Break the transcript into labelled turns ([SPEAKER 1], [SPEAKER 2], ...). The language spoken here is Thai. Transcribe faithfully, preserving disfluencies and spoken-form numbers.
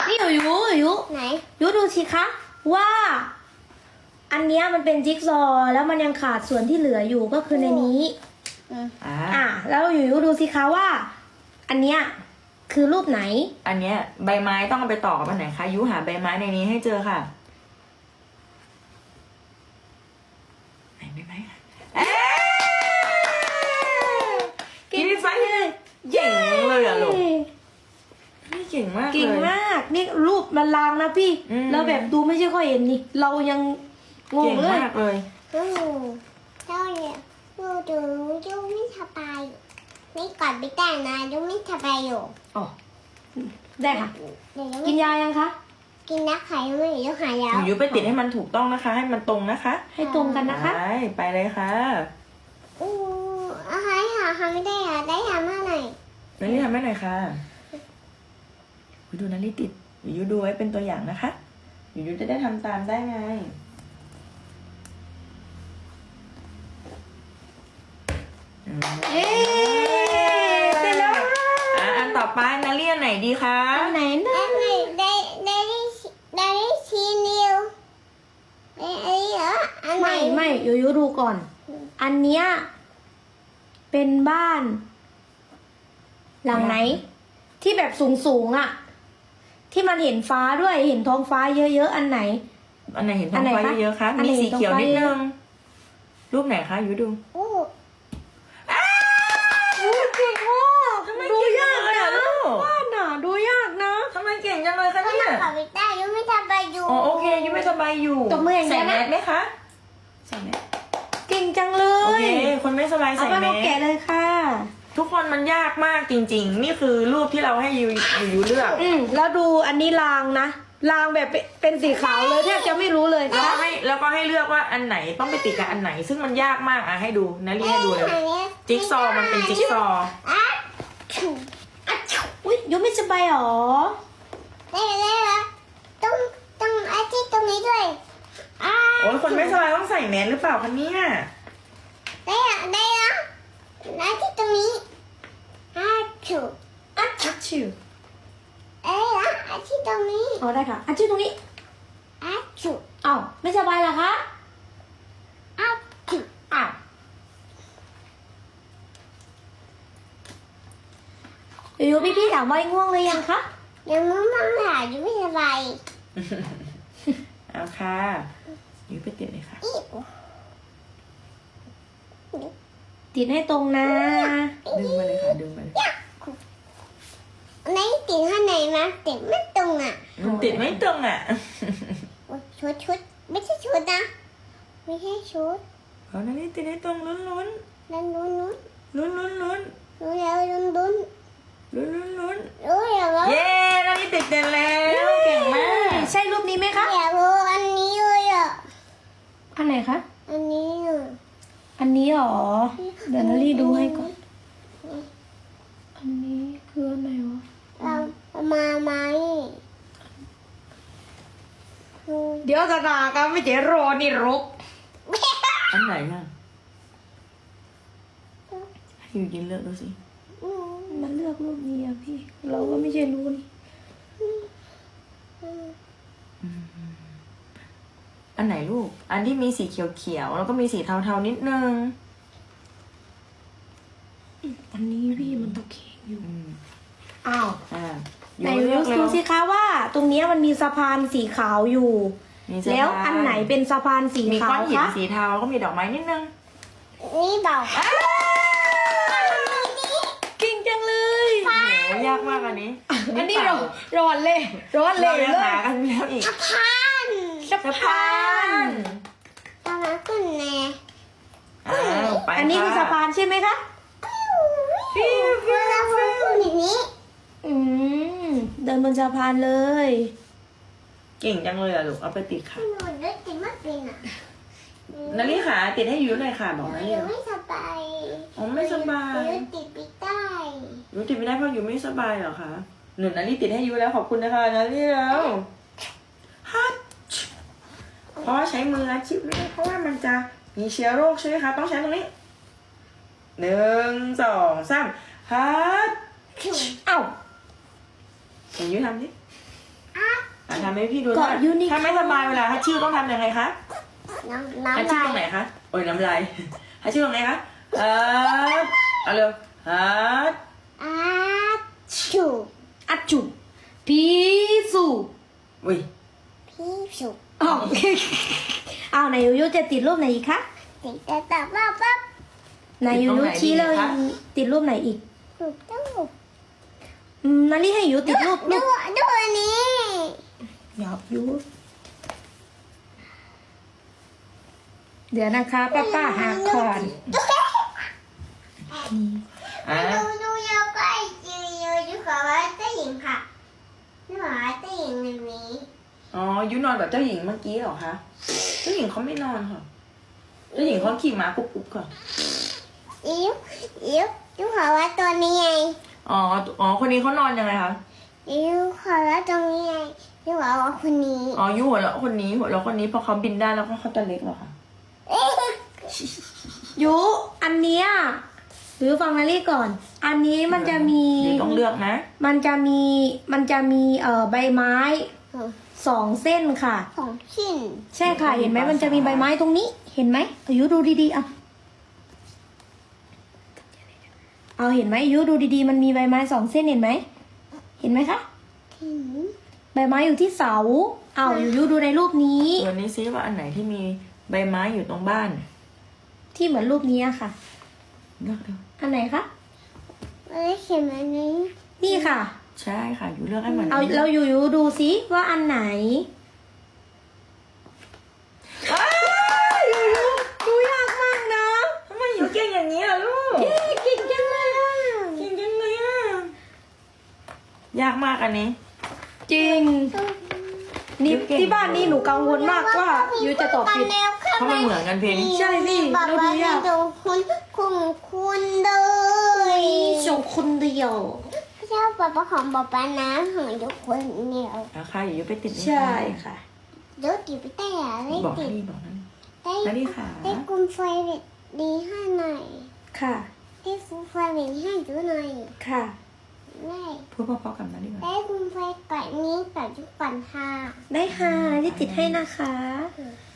[SPEAKER 1] นี่อยู่อยู่อยู่
[SPEAKER 2] ไหน
[SPEAKER 1] อยู่ดูสิคะว่า อันเนี้ยมันเป็นจิ๊กซอว์แล้วมันยังขาดส่วนที่เหลืออยู่ก็คือในนี้
[SPEAKER 2] อืม
[SPEAKER 3] อ่า
[SPEAKER 1] อ่ะแล้วอยู่อยู่ดูสิคะว่า อันเนี้ยคือรูปไหน
[SPEAKER 3] อันเนี้ยใบไม้ต้องเอาไปต่อกับอันไหนคะยุหาใบไม้ในนี้ให้เจอค่ะไหนใบไม้คะเอ๊ะกินไฟเลยเก่งเลยอะลูกนี่เก่งมากเลย
[SPEAKER 1] เก่งมากนี่รูปมันลางนะพี่
[SPEAKER 3] อืม
[SPEAKER 1] เราแบบดูไม่ใช่ค่อยเห็นนี่เรายังงง
[SPEAKER 3] เก่ง
[SPEAKER 1] เลย
[SPEAKER 3] มากเลย
[SPEAKER 2] อืมเจ้าเนี่ยดูดูยูไม่สบายไม่กอดไม่ได้นะยูไม่สบายอยู่
[SPEAKER 1] อ๋อได้ค่ะ
[SPEAKER 2] เดี๋ยวยู
[SPEAKER 1] กินยายังคะ
[SPEAKER 2] กินนักไข่ไม่ยูหายแล้ว
[SPEAKER 3] ยุไปติดให้มันถูกต้องนะคะ ให้มันตรงนะคะ
[SPEAKER 1] ให้ตรงกันนะคะ
[SPEAKER 3] ไปไปเลยค่ะ
[SPEAKER 2] อู้อะไรหาหาไม่ได้หาได้หามาหน่อย
[SPEAKER 3] นาริทำให้หน่อยค่ะยุดูนาริติดยุดูไว้เป็นตัวอย่างนะคะยุจะได้ทำตามได้ไงอืม
[SPEAKER 1] เอ๊ะเสร็จแล้ว
[SPEAKER 3] อ่ะอันต่อไปนาเรียนไหนดีคะ
[SPEAKER 1] อันไหนนะ
[SPEAKER 2] ได้ไหมได้ได้ได้ชีนิวได้ไอ้เหรออันไหน
[SPEAKER 1] ไม่ไม่อยู่อยู่ดูก่อน อันเนี้ยเป็นบ้าน หลังไหน ที่แบบสูงสูงๆอะที่มันเห็นฟ้าด้วยเห็นท้องฟ้าเยอะๆอันไหน
[SPEAKER 3] อันไหนเห็นท้
[SPEAKER 1] อั
[SPEAKER 3] อน ง
[SPEAKER 1] ไหน
[SPEAKER 3] ฟ้า
[SPEAKER 1] คะ
[SPEAKER 3] เยอะๆคะ
[SPEAKER 1] อันไหน
[SPEAKER 3] มีสีเขียว
[SPEAKER 1] เห็
[SPEAKER 3] นิ
[SPEAKER 1] น
[SPEAKER 3] ด
[SPEAKER 1] ท้องฟ้า
[SPEAKER 3] นึงรูปไหนคะยุดู
[SPEAKER 2] อู้
[SPEAKER 1] เก่งมาก
[SPEAKER 3] ทำไม
[SPEAKER 1] ดู
[SPEAKER 3] เก่ง
[SPEAKER 1] ยาก
[SPEAKER 3] เลย
[SPEAKER 1] นะ
[SPEAKER 3] อะลูก
[SPEAKER 1] บ้านน่ะดูยากนะ
[SPEAKER 3] ทำไมเก่งจังเลยคะ
[SPEAKER 2] ก็
[SPEAKER 3] เนี่
[SPEAKER 2] นั
[SPEAKER 3] ย
[SPEAKER 2] กไข่ไม่ได้ยูไม่สบายอยู่
[SPEAKER 3] อ๋อโอเคยุไม่สบายอยู่
[SPEAKER 1] ตบมืออย่างเดี
[SPEAKER 3] ใส่
[SPEAKER 1] ยว
[SPEAKER 3] แม
[SPEAKER 1] นะ
[SPEAKER 3] สไหมคะใส่แมส
[SPEAKER 1] เก่งจังเล
[SPEAKER 3] โอย เคคนไม่สบาย
[SPEAKER 1] เอา
[SPEAKER 3] ใส่
[SPEAKER 1] ไป
[SPEAKER 3] แม
[SPEAKER 1] มาแกะ
[SPEAKER 3] ส
[SPEAKER 1] เลยค่ะ
[SPEAKER 3] ทุกคนมันยากมากจริง ๆ นี่คือรูปที่เราให้ยูยูยูเลือก
[SPEAKER 1] อืมแล้วดูอันนี้รางนะรางแบบเป็นเป็นสีขาวเลยแทบจะไม่รู้เลย
[SPEAKER 3] แล้ว
[SPEAKER 1] นะ
[SPEAKER 3] ก็ให้แล้วก็ให้เลือกว่าอันไหนต้องไปติดกับอันไหน ซึ่งมันยากมากอ่ะให้ดูนารีให้ดูเลยจิ๊กซอว์มันเป็นจิ๊กซอว์
[SPEAKER 2] อ่ะ
[SPEAKER 1] อ่ะอุ้ยยูไม่สบายหรอ
[SPEAKER 2] ได้ได้แล้วต้องต้องไอ้ที่ตรงนี้ด้วยอ่ะ
[SPEAKER 3] โอ้ยคนไม่สบายต้องใส่แมสหรือเปล่าคะเนี่ย
[SPEAKER 2] ได้อะได้แล้วไอ้ที่ตรงนี้อ่ะถูก
[SPEAKER 1] อ่ะชักชิว
[SPEAKER 2] เอ้ยอ่ะไอ้ที่ตรงนี้
[SPEAKER 1] อ๋อได้ค่ะอ่ะชื่อตรงนี้
[SPEAKER 2] อ่ะถูก
[SPEAKER 1] อ้าวไม่สบายเหรอคะ
[SPEAKER 2] อ่ะถูก
[SPEAKER 1] อ้าวอยู่พี่พี่ๆถามว่าง่วงเลยยังคะ
[SPEAKER 2] ยังไม่มั่งหาอยู่ไม่สบาย
[SPEAKER 3] เอาค่ะยูไปติดเลยค่ะ
[SPEAKER 2] อีก
[SPEAKER 1] ติดให้ตรงนะ
[SPEAKER 3] ดึงมาเลยค่ะดึงมาเลย
[SPEAKER 2] ไหนติดข้างในนะติดไม่ตรงอ่ะ
[SPEAKER 3] มันติดไม่ตรงอ่ะ
[SPEAKER 2] โอ๊ยชุดชุดไม่ใช่ชุดนะไม่ใช่ชุด
[SPEAKER 3] เอานารีติดให้ตรงลุ้นลุ้น
[SPEAKER 2] ลุ้นลุ้นลุ้น
[SPEAKER 3] ลุ้นลุ้นลุ้น
[SPEAKER 2] รู้แล้วลุ้นลุ้น
[SPEAKER 3] ลุ้นลุ้นลุ้น
[SPEAKER 2] รู้แล้วว่า
[SPEAKER 3] เย้นารีติดเต็มแล้วเก่งมาก
[SPEAKER 1] ใช่รูปนี้ไหมคะ
[SPEAKER 2] อยากรู้อันนี้เลยอ่ะ
[SPEAKER 1] อันไหนคะ
[SPEAKER 2] อันนี้อ่ะ
[SPEAKER 1] อันนี้หรอ เดี๋ยวนารีดูให้ก่อน อันนี้คืออันไหนวะ
[SPEAKER 2] เรามาไหมอืม
[SPEAKER 1] เดี๋ยวจะด่ากันไม่เจรอนี่รก
[SPEAKER 3] อันไหนอ่ะให้ยูยินเลือกดูสิ
[SPEAKER 2] อืม
[SPEAKER 1] มันเลือกรูปนี้อะพี่ เราก็ไม่ใช่รู้นี่
[SPEAKER 2] อืม
[SPEAKER 3] อันไหนลูก อันที่มีสีเขียวๆแล้วก็มีสีเทาๆนิดนึง
[SPEAKER 1] อันนี้พี่มันตะเคียงอยู่
[SPEAKER 3] อืม
[SPEAKER 1] อ้าว
[SPEAKER 3] อ่า
[SPEAKER 1] ไหน
[SPEAKER 3] ยูเลื
[SPEAKER 1] ดู
[SPEAKER 3] อกเร็
[SPEAKER 1] ดู
[SPEAKER 3] ว
[SPEAKER 1] สิคะว่า ตรงเนี้ยมันมีสะพานสีขาวอยู่
[SPEAKER 3] มีเสื้อ
[SPEAKER 1] แล้วอันไหนเป็นสะพานสี
[SPEAKER 3] มี
[SPEAKER 1] ขา
[SPEAKER 3] ก้อ
[SPEAKER 1] วน
[SPEAKER 3] หิน
[SPEAKER 1] คะ
[SPEAKER 3] สีเทาแล้วก็มีดอกไม้นิดนึง
[SPEAKER 2] นี่เบา
[SPEAKER 1] เก่งจังเลย
[SPEAKER 3] โอ้โหยากมากอันนี้
[SPEAKER 1] อันนี้เราร้อนเลยร้อนเล
[SPEAKER 3] เรา
[SPEAKER 1] ย
[SPEAKER 3] ยัง
[SPEAKER 1] เลย
[SPEAKER 3] หากันแล้วอีก
[SPEAKER 2] พัน
[SPEAKER 1] สะ
[SPEAKER 3] สะ
[SPEAKER 1] พา
[SPEAKER 3] พาน น
[SPEAKER 2] ตอนนั้นขึ้นแน่
[SPEAKER 3] อ้าวไป
[SPEAKER 1] อันนี้คือสะพานใช่ไหมคะ
[SPEAKER 2] ฟิวฟิวฟิวขึ้นอย่างนี้
[SPEAKER 1] อืมเดินบนสะพานเลย
[SPEAKER 3] เก่งจังเลยอะลูก เอาไปติดค่ะ
[SPEAKER 2] หนูได้ติดมากเป็นอ่ะ
[SPEAKER 3] นารีขาติดให้ยูหน่อยค่ะบอกนารี
[SPEAKER 2] หนูไม่สบาย
[SPEAKER 3] อ๋อไม่สบาย
[SPEAKER 2] หนูติดปีกใต้
[SPEAKER 3] ยูติดไม่ได้เพราะยูไม่สบายเหรอคะหนูนารีติดให้ยูแล้วขอบคุณนะคะนารีแล้วฮัทเพราะว่าใช้มืออาชีพไม่ได้เพราะว่ามันจะมีเชื้อโรคใช่ไหมคะต้องใช้ตรงนี้หนึ่งสองสามฮัท
[SPEAKER 1] เอ้า
[SPEAKER 3] เดี๋ยวยูทำดิ
[SPEAKER 2] อ้า
[SPEAKER 3] ทำให้พี่ดู
[SPEAKER 1] เกาะยูนิคอร์น
[SPEAKER 3] ถ้าไม่สบายเวลาฮัชชิวต้องทำยังไงคะ
[SPEAKER 2] น้ำ
[SPEAKER 3] ฮัช
[SPEAKER 2] น้ำ
[SPEAKER 3] ชิว
[SPEAKER 2] ลา
[SPEAKER 3] ตรงไหน
[SPEAKER 2] ย
[SPEAKER 3] คะโอ้ยน้ำลายฮัชชิวตรงไหนคะฮัทเอาเร็วฮัท
[SPEAKER 2] อาชู
[SPEAKER 1] อัจจุพีสู
[SPEAKER 3] อุ้ย
[SPEAKER 2] พี่สุ
[SPEAKER 1] อ๋อ เอาไหนยูยูจะติดรูปไหนอีกคะ
[SPEAKER 2] ติดแต่แต่ว่าปั๊บ
[SPEAKER 1] ไหนยูยูชี้เลยติดรูปไหนอีก
[SPEAKER 2] ถูกต้อง
[SPEAKER 1] อืมนาลี่ให้ยูติดรูป
[SPEAKER 2] ดู
[SPEAKER 1] รูป
[SPEAKER 2] ดูอันนี้
[SPEAKER 1] หยอกยูเดี๋ยวนะคะป้าป้าหาก่อน
[SPEAKER 3] อ่ะ
[SPEAKER 2] ดูดูยาวใกล้จิ๋วยูยูขอว่าเจ้าหญิงค่ะนี่ขอว่าเจ้าหญิงแบบนี้
[SPEAKER 3] อ๋อยูนอนแบบเจ้าหญิงเมื่อกี้เหรอคะเจ้าหญิงเขาไม่นอนค่ะเจ้าหญิงเขาขี่ม้าปุ๊บปุ๊บค่ะ
[SPEAKER 2] อิ๋วอิ๋วยูขอว่าตัวนี้ไง
[SPEAKER 3] อ๋ออ๋อคนนี้เขานอนยังไงคะ
[SPEAKER 2] อิ๋วขอว่าตรงนี้ไงยูขอว่าคนนี้
[SPEAKER 3] อ๋อยูหัวเราะคนนี้หัวเราะคนนี้พอเขาบินได้แล้วก็เขาตัวเล็กเหรอคะ
[SPEAKER 2] เอ๊ะ
[SPEAKER 1] ยูอันเนี้ยหรือฟังนาลี่ก่อน อันนี้มันจะมี
[SPEAKER 3] ยูต้องเลือกนะ
[SPEAKER 1] มันจะมีมันจะมีเอ่อใบไม้สองเส้นค่ะ
[SPEAKER 2] สองชิ้น
[SPEAKER 1] ใช่ค่ะ เห็นไหมมันจะมีใบไม้ตรงนี้ เห็นไหมอายุดูดีๆเอาเอาเห็นไหมอายุดูดีๆ มันมีใบไม้สองเส้นเห็นไหมเห็นไหมคะ
[SPEAKER 2] ถึง
[SPEAKER 1] ใบไม้อยู่ที่เสาเอาอายุดูในรูปนี้
[SPEAKER 3] วันนี้ซิว่าอันไหนที่มีใบไม้อยู่ตรงบ้าน
[SPEAKER 1] ที่เหมือนรูปนี้อะค่ะ
[SPEAKER 3] เลือกเลือก
[SPEAKER 1] อันไหนคะ
[SPEAKER 2] เอ้ยเขียนอันนี้
[SPEAKER 1] นี่ค่ะ
[SPEAKER 3] ใช่ค่ะอยู่เลือกให้เหมือน
[SPEAKER 1] เอาเราอยู่อยู่ดูซิว่าอันไหน
[SPEAKER 3] อ้าวอยู่อยู่
[SPEAKER 1] ดูยากมากนะ
[SPEAKER 3] ทำไมอยู่เก่งอย่างนี้ล่ะลูก
[SPEAKER 1] เย้เก่งจังเลยอะ
[SPEAKER 3] เก่งจังเลยอ่ะยากมากอันนี้
[SPEAKER 1] จริง นี่ที่บ้านนี่หนูกังวลมากว่ายูจะตอบผิด
[SPEAKER 3] เพราะมันเหมือนกันเพลง
[SPEAKER 1] ใช่พี่
[SPEAKER 2] บอก
[SPEAKER 1] แล้วดู
[SPEAKER 2] ว่าย
[SPEAKER 1] าก
[SPEAKER 2] ดูคุณคุณคุณเลย
[SPEAKER 1] ส่งคนเดียว
[SPEAKER 2] เจ้าป๊าป๊าของป๊าป๊านะของยุคนเดียว
[SPEAKER 3] ราคาอยู่ไปติดนี่
[SPEAKER 1] ใช่ค่ะ
[SPEAKER 2] เดี๋ยวติดไปแต่ได้
[SPEAKER 3] บอก
[SPEAKER 2] ติด
[SPEAKER 3] นี่บอกนั่น
[SPEAKER 2] ได้
[SPEAKER 3] แล้วนี่ค่ะ
[SPEAKER 2] ได้กุมไฟดีให้หน่อย
[SPEAKER 1] ค่ะ
[SPEAKER 2] ได้กุมไฟดีให้ดูหน่อย
[SPEAKER 1] ค่ะ
[SPEAKER 2] ได้
[SPEAKER 3] พูดเพราะๆกับนั่นดีกว่า
[SPEAKER 2] ได้กุมไฟก่อนนี้ก่อนทุกก่อนค่ะ
[SPEAKER 1] ได้ค่ะที่ติดให้นะคะ
[SPEAKER 2] อืม